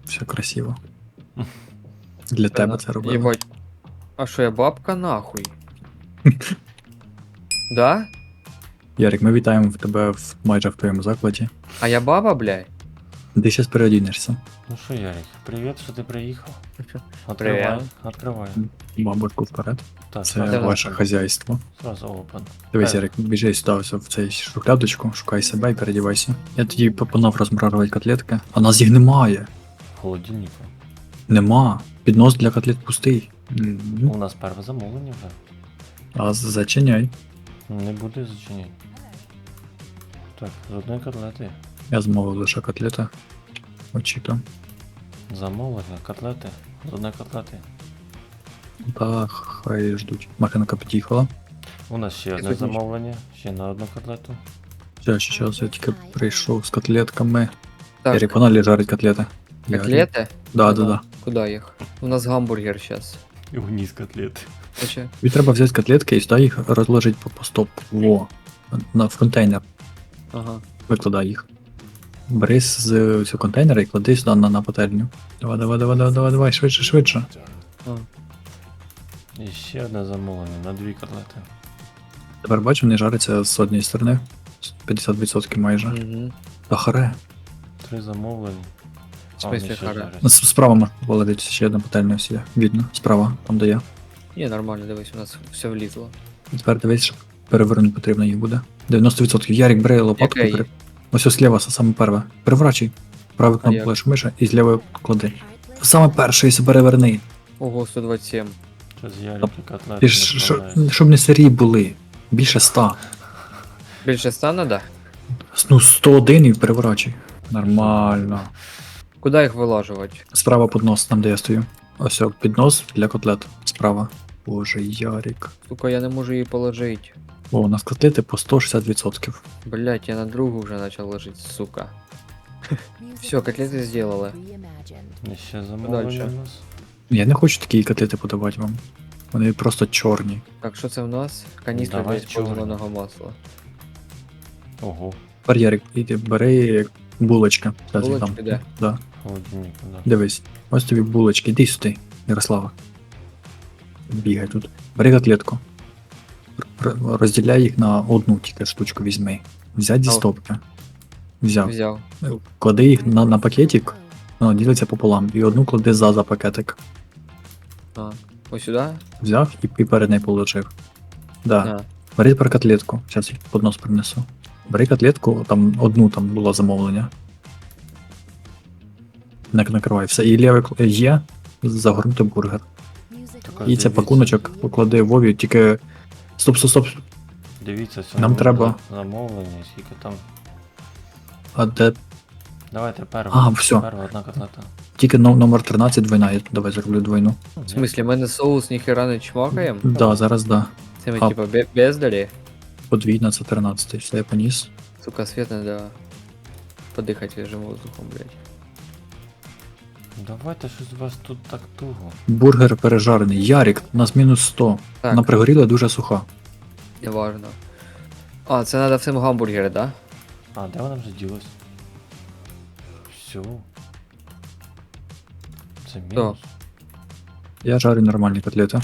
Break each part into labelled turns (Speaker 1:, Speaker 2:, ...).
Speaker 1: Все красиво. Для тебе це робили.
Speaker 2: Єбать. А що я бабка нахуй? Да?
Speaker 1: Ярик, ми вітаємо в тебе майже в твоєму закладі.
Speaker 2: А я баба, блядь?
Speaker 1: Ти зараз переодінешся.
Speaker 3: Ну що, Ярик, привіт, що ти приїхав.
Speaker 2: Привіт.
Speaker 3: Откривай.
Speaker 1: Бабушку вперед.
Speaker 3: Так,
Speaker 1: Це
Speaker 3: сразу
Speaker 1: ваше
Speaker 3: open.
Speaker 1: хазяйство.
Speaker 3: Сразу open.
Speaker 1: Дивись, Ярик, біжи сюди ось в цей шухлядочку, шукай себе і передівайся. Я тоді пропонував розмарувати котлетки, а нас їх немає.
Speaker 3: В холодильнику.
Speaker 1: Нема. Піднос для котлет пустий.
Speaker 3: У нас перше замовлення вже.
Speaker 1: А зачиняй.
Speaker 3: Не буде зачинять. Так, з одної котлети.
Speaker 1: Я замовив лише котлета. Очікуємо.
Speaker 3: Замовлення, котлети. З одної котлети.
Speaker 1: Та хай ждуть. Макинка під'їхала.
Speaker 3: У нас ще одне
Speaker 2: тут ніч.
Speaker 3: замовлення, ще на одну котлету.
Speaker 1: Зараз я тільки прийшов з котлетками.
Speaker 2: Так,
Speaker 1: Ярик, погнали жарить котлети. Ярик.
Speaker 2: котлети?
Speaker 1: Да.
Speaker 2: Куда їх? У нас гамбургер сейчас.
Speaker 3: І вниз котлети.
Speaker 2: Короче,
Speaker 1: Тобі треба взяти котлетки і сюди їх розложити по стоп. Во. В контейнер.
Speaker 2: ага.
Speaker 1: Викладай їх. Бери з цього контейнера і клади сюди на пательню. Давай, швидше.
Speaker 2: А.
Speaker 3: І ще одне замовлення на дві котлети.
Speaker 1: Тепер бачу, вони жаряться з однієї сторони. 50% майже.
Speaker 2: Угу.
Speaker 1: Та харе.
Speaker 3: 3 замовлення.
Speaker 2: В смысле харе?
Speaker 1: Справа можна повалити, ще одна пательня ось є. Видно. Справа, там де я.
Speaker 2: Ні, нормально, дивись, у нас все влізло.
Speaker 1: Тепер дивись, що перевернути потрібно їх буде. 90%. Ярик, бери лопатку.
Speaker 2: Яке?
Speaker 1: Ось зліва, саме перше. Переворачуй. Правий
Speaker 2: А
Speaker 1: кнопку
Speaker 2: як?
Speaker 1: клавішу миша і зліва клади. Саме перше, і переверни.
Speaker 2: Ого, 127.
Speaker 3: Щось Ярик і котлети
Speaker 1: Ти
Speaker 3: не
Speaker 1: ж,
Speaker 3: справляються.
Speaker 1: щоб не сирі були. Більше 100.
Speaker 2: Більше 100 надо?
Speaker 1: Ну, 101 і переворачуй. Нормально.
Speaker 2: Куда їх вилажувати?
Speaker 1: Справа піднос, там де я стою. Ось о, піднос для котлет. Справа. Боже, Ярик.
Speaker 2: Сука, я не можу її положити.
Speaker 1: О, у нас котлети по 160%.
Speaker 2: Блять, я на другу вже почав ложити, сука. Все, котлети сделали.
Speaker 3: І ще замовлення
Speaker 2: Дальше.
Speaker 3: у нас.
Speaker 1: Я не хочу такі котлети подавати вам. Вони просто чорні.
Speaker 2: Так, що це в нас? Каністра для
Speaker 3: Давай
Speaker 2: использованого масла.
Speaker 3: Ого,
Speaker 1: Тепер, Ярик, іди, бери булочки. Зараз я
Speaker 2: Булочки,
Speaker 1: дам.
Speaker 2: де?
Speaker 1: Да.
Speaker 3: в холодильнику, да.
Speaker 1: Дивись, ось тобі булочки, іди сюди, Ярослава. Бігай тут. Бери котлетку. Розділяй їх на одну тільки штучку візьми. Взять зі
Speaker 2: Ау.
Speaker 1: стопки. Взяв.
Speaker 2: Взяв.
Speaker 1: Клади їх на пакетик, воно ділиться пополам. І одну клади за пакетик.
Speaker 2: А, ось сюди?
Speaker 1: Взяв і перед нею положив. Да.
Speaker 2: А.
Speaker 1: Бери тепер котлетку. Зараз їх поднос принесу. Бери котлетку, там одну там було замовлення. Накривай все. І ліве є загорнути бургер.
Speaker 3: Так,
Speaker 1: І це
Speaker 3: дивіться.
Speaker 1: пакуночок поклади Вові, тільки. Стоп.
Speaker 3: Дивіться,
Speaker 1: Нам треба-
Speaker 3: замовлення, скільки там.
Speaker 1: А де.
Speaker 3: Давайте перше.
Speaker 1: А, всьо.
Speaker 3: Перша одна котлета.
Speaker 1: Тільки номер 13 двойна, я давай зроблю двойну.
Speaker 2: В смысле, ми на соус ніхера не чмакаємо?
Speaker 1: Да, зараз да.
Speaker 2: Це ми
Speaker 1: А.
Speaker 2: типа бездарі?
Speaker 1: Подвійна це 13, все я поніс.
Speaker 2: Сука, свет надо подихати свіжим воздухом, блядь.
Speaker 3: Давайте щось у вас тут так туго.
Speaker 1: Бургер пережарений. Ярик, у нас мінус 100.
Speaker 2: Так.
Speaker 1: Вона пригоріла дуже суха.
Speaker 2: Неважно. А, це надо всім гамбургери, да?
Speaker 3: А, де вона вже ділась? Все. Це мінус.
Speaker 1: Я жарю нормальні котлети.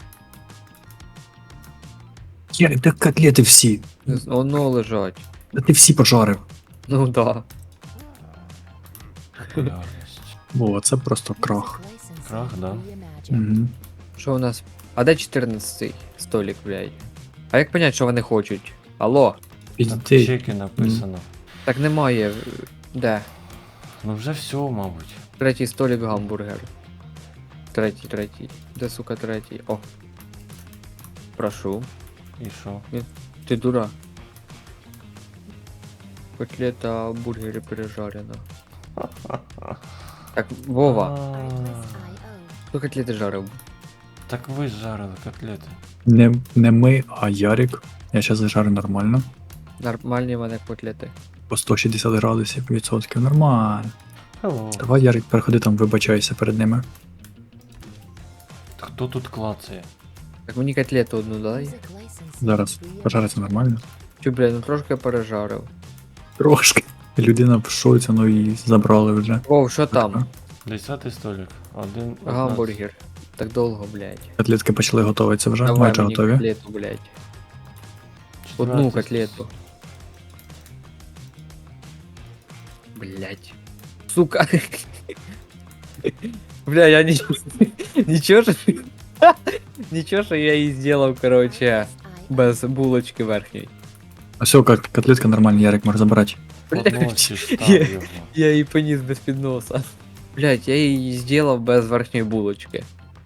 Speaker 1: Ярик, де котлети всі?
Speaker 2: Воно лежать.
Speaker 1: Та ти всі пожарив.
Speaker 2: Ну да.
Speaker 3: Популярність.
Speaker 1: О, це просто крах.
Speaker 3: Крах, да?
Speaker 1: Угу.
Speaker 2: Що у нас? А де 14-й столик, блядь? А як понять, що вони хочуть? Алло?
Speaker 3: Так,
Speaker 1: Підійди.
Speaker 3: чеки написано.
Speaker 2: Так немає. Де?
Speaker 3: Ну вже все, мабуть.
Speaker 2: Третій столик гамбургер. Третій. Де, сука, третій? О. Прошу.
Speaker 3: І що?
Speaker 2: Ти дура. Котлета в бургері пережарена. Так, Вова, хто котлети жарив?
Speaker 3: Так ви ж жарили котлети.
Speaker 1: Не ми, а Ярик. Я зараз зажарю нормально.
Speaker 2: Нормальні в мене котлети.
Speaker 1: По 160 градусів відсотків. Нормально.
Speaker 3: Hello.
Speaker 1: Давай, Ярик, переходи там, вибачайся перед ними.
Speaker 3: Хто тут клацає?
Speaker 2: Так мені котлету одну дай.
Speaker 1: Зараз пожариться нормально.
Speaker 2: Чу, блядь, ну трошки пережарив.
Speaker 1: Трошки. Людина в шоці, ну і забрали вже.
Speaker 2: Вов, що там?
Speaker 3: 10-й столик. Один.
Speaker 2: Гамбургер. Так довго, блядь.
Speaker 1: Котлетки почали готуватися вже,
Speaker 2: Давай
Speaker 1: майже
Speaker 2: мені
Speaker 1: готові.
Speaker 2: котлету, блядь. Одну
Speaker 3: 14-й
Speaker 2: котлету. Блядь. Сука. Бля, я не... Ничего же... Ничего, что я и сделал, короче, без булочки верхней.
Speaker 1: А все, котлетка нормальна, Ярик може забирати.
Speaker 3: Подносиш, став
Speaker 2: Я-
Speaker 3: його.
Speaker 2: Я її поніс без підноса. Блять, я її зробив без верхньої булочки.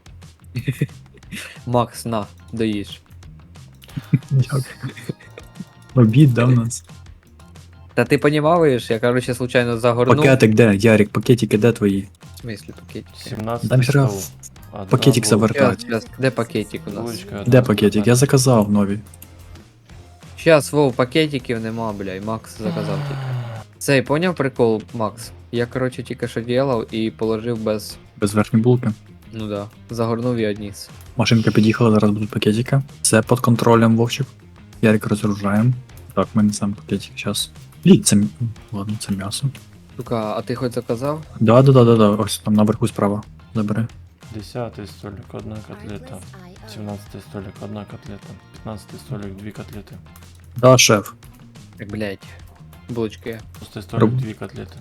Speaker 2: Макс, на, доїж.
Speaker 1: Дякую. Обід, да, в нас?
Speaker 2: Та ти понімаєш, я, короче, случайно загорнув.
Speaker 1: Пакетик де? Ярик, пакетики де твої?
Speaker 2: В смислі пакетики?
Speaker 3: 17-й
Speaker 1: Там треба
Speaker 3: стол. Одна
Speaker 1: пакетик
Speaker 3: булочка.
Speaker 1: завертати.
Speaker 2: Щас, де пакетик у нас?
Speaker 3: Булочка,
Speaker 1: Де
Speaker 3: одна
Speaker 1: пакетик?
Speaker 3: котлета.
Speaker 1: Я заказав нові.
Speaker 2: Щас, Вов, пакетиків нема, бля, Макс заказав тільки. Цей, поняв прикол, Макс? Я, короче, тільки що делав і положив без...
Speaker 1: Без верхньої булки.
Speaker 2: Ну да, загорнув і одніс.
Speaker 1: Машинка під'їхала, зараз будуть пакетики. Все під контролем, Вовчик. Ярик розгружаємо. Так, ми несемо пакетик зараз. Це... Ладно, це м'ясо.
Speaker 2: Сука, а ти хоч заказав?
Speaker 1: Да. Ось там наверху справа. Забери.
Speaker 3: 10-й столик, одна котлета. 17-й столик, одна котлета. 15-й столик, 2 котлети.
Speaker 1: Да, шеф.
Speaker 2: Так, блядь. Булочки.
Speaker 3: 6-й столик,
Speaker 1: Роб-
Speaker 3: 2 котлети.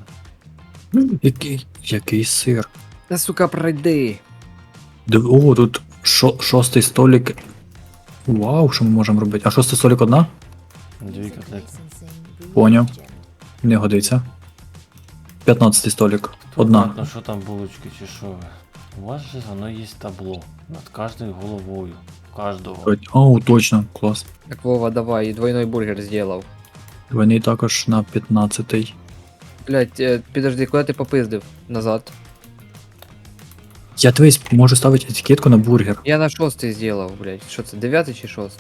Speaker 1: Який сир.
Speaker 2: Та, сука, пройди.
Speaker 1: О, тут шостий столик. Вау, що ми можемо робити? А шостий столик одна?
Speaker 3: 2 котлети.
Speaker 1: Поняв. Не годиться. 15 столик. Одна.
Speaker 3: Ну що там булочки чи що ви? У вас же воно є табло. Над кожною головою. Кожного.
Speaker 1: О, точно, клас.
Speaker 2: Так, Вова, давай, двойной бургер сделал.
Speaker 1: Вони також на 15-й.
Speaker 2: Блять, підожди, куди ти попиздив? Назад.
Speaker 1: Я дивись, можу ставити етикетку на бургер.
Speaker 2: Я на 6 сделал, блять. Що це, 9 чи 6?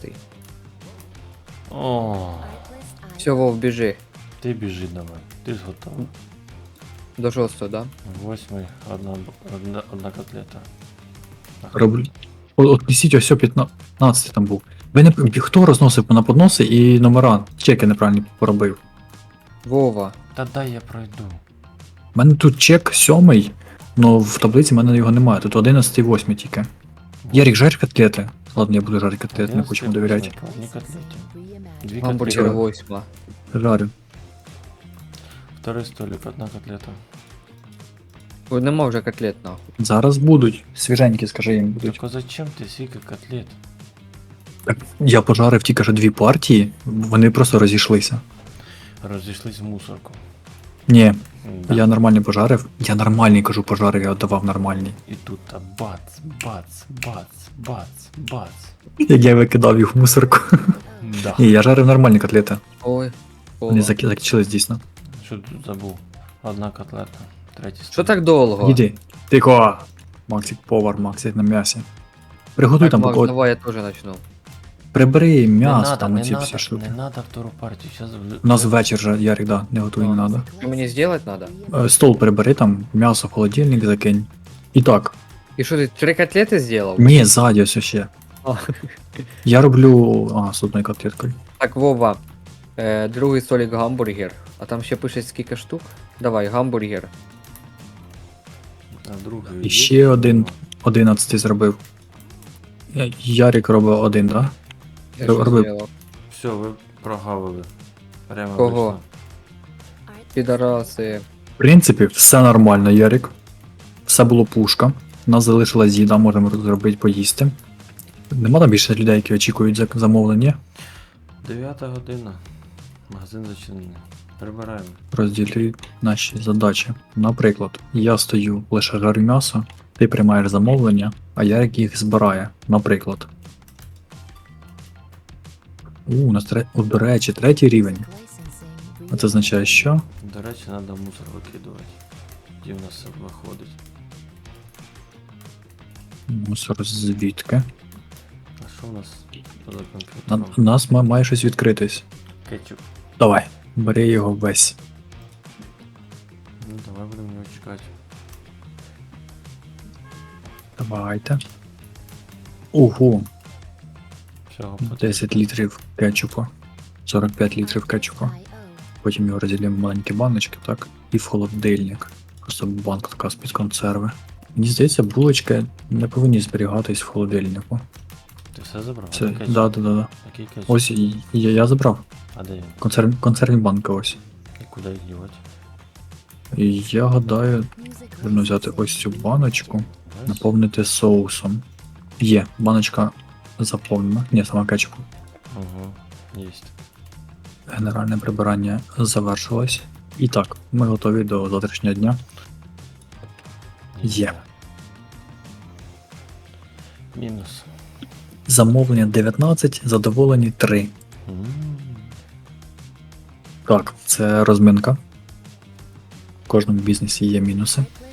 Speaker 3: О,
Speaker 2: Все, Вов, біжи.
Speaker 3: ти біжи давай. Ти ж готовий.
Speaker 2: До 6, да?
Speaker 3: 8-й, одна котлета.
Speaker 1: Роблю. От несіть ось 15 там був. Ви не хто розносив на подноси і номера? Чеки неправильно поробив.
Speaker 2: Вова.
Speaker 3: Та дай я пройду.
Speaker 1: У мене тут чек 7, але в таблиці в мене його немає. Тут 11 і 8 тільки. Ярик, жарь котлети. Ладно, я буду жарити котлети, не хочу йому довіряти.
Speaker 3: Одні котлеті. 2
Speaker 2: Гамбургер
Speaker 3: котлети.
Speaker 2: 8.
Speaker 1: Жарю.
Speaker 3: Второй столик, одна котлета.
Speaker 2: Ой, нема вже котлет, нахуй.
Speaker 1: Зараз будуть. Свіженькі, скажи їм будуть.
Speaker 3: Так а зачем ти скільки котлет?
Speaker 1: Так, я пожарив тільки що 2 партії, вони просто розійшлися.
Speaker 3: Розійшлись в мусорку.
Speaker 1: Ні,
Speaker 3: Да.
Speaker 1: я нормальний пожарив. Я нормальний кажу пожарив, я давав нормальний.
Speaker 3: І тут та бац, бац, бац, бац, бац.
Speaker 1: Як я викидав їх в мусорку.
Speaker 3: Да.
Speaker 1: Ні, я жарив нормальні котлети.
Speaker 2: Ой.
Speaker 1: Вони
Speaker 2: Вова.
Speaker 1: закінчились дійсно.
Speaker 3: Що тут забув? Одна котлета. Третій столик.
Speaker 2: Що так довго?
Speaker 1: Іди. Тихо. Максик повар, Максик на м'ясі. Приготуй
Speaker 2: Так,
Speaker 1: там
Speaker 2: Макс,
Speaker 1: поки.
Speaker 2: давай я теж начну.
Speaker 1: Прибери м'ясо,
Speaker 3: надо,
Speaker 1: там
Speaker 3: не
Speaker 1: оці
Speaker 3: надо,
Speaker 1: всі штуки.
Speaker 3: не надо втору партію. Сейчас
Speaker 1: У нас вечір же, Ярик, да, не готуй, не надо.
Speaker 2: Що мені зробити треба?
Speaker 1: Стол прибери там, м'ясо в холодильник закинь. І так.
Speaker 2: І що ти 3 котлети зробив?
Speaker 1: Ні, ззаді ось ще.
Speaker 2: А.
Speaker 1: Я роблю. З одною котлеткою.
Speaker 2: Так, Вова. Другий столик гамбургер. А там ще пише скільки штук. Давай, гамбургер.
Speaker 3: А другий
Speaker 1: І
Speaker 3: є?
Speaker 1: ще один 11 зробив. Ярик робив один, да?
Speaker 2: Я що
Speaker 1: Робив.
Speaker 2: зробив?
Speaker 3: Все, ви прогавили. Прямо
Speaker 2: Кого?
Speaker 3: вийшло.
Speaker 2: Підараси.
Speaker 1: В принципі, все нормально, Ярик. Все було пушка. У нас залишилась їда, можемо зробити поїсти. Нема там більше людей, які очікують замовлення.
Speaker 3: 9 година. Магазин зачинений. Прибираємо.
Speaker 1: Розділі наші задачі. Наприклад, я стою, лише жарю м'ясо, ти приймаєш замовлення, а Ярик їх збирає. Наприклад. У нас до речі, 3 рівень. А це означає, що?
Speaker 3: До речі, треба мусор викидувати. Тоді в нас все виходить.
Speaker 1: Мусор звідки?
Speaker 3: А що в нас за
Speaker 1: У
Speaker 3: комп'ютером?
Speaker 1: нас має щось відкритись.
Speaker 3: Кетчуп.
Speaker 1: Давай, бери його весь.
Speaker 3: Ну давай будемо його чекати.
Speaker 1: Давайте. Ого,
Speaker 3: Всього
Speaker 1: 10 літрів кетчупу. 45 літрів кетчупу. Потім його розділимо в маленькі баночки, так? І в холодильник. Просто банка така з-під консерви. Мені здається, булочки не повинні зберігатись в холодильнику.
Speaker 3: Ти все забрав?
Speaker 1: Це,
Speaker 3: А де кетчуп?
Speaker 1: да.
Speaker 3: Який кетчуп?
Speaker 1: Ось я забрав.
Speaker 3: А де він?
Speaker 1: Консервні банки ось.
Speaker 3: І куди їх дівати?
Speaker 1: І я гадаю, потрібно взяти ось цю баночку,
Speaker 3: Ось?
Speaker 1: наповнити соусом. Є, баночка заповнена. Ні, сама кетчупу.
Speaker 3: Угу, єсть.
Speaker 1: Генеральне прибирання завершилось. І так, ми готові до завтрашнього дня. Є.
Speaker 3: Мінус.
Speaker 1: Замовлення 19, задоволені 3.
Speaker 3: М.
Speaker 1: Так, це розминка. В кожному бізнесі є мінуси.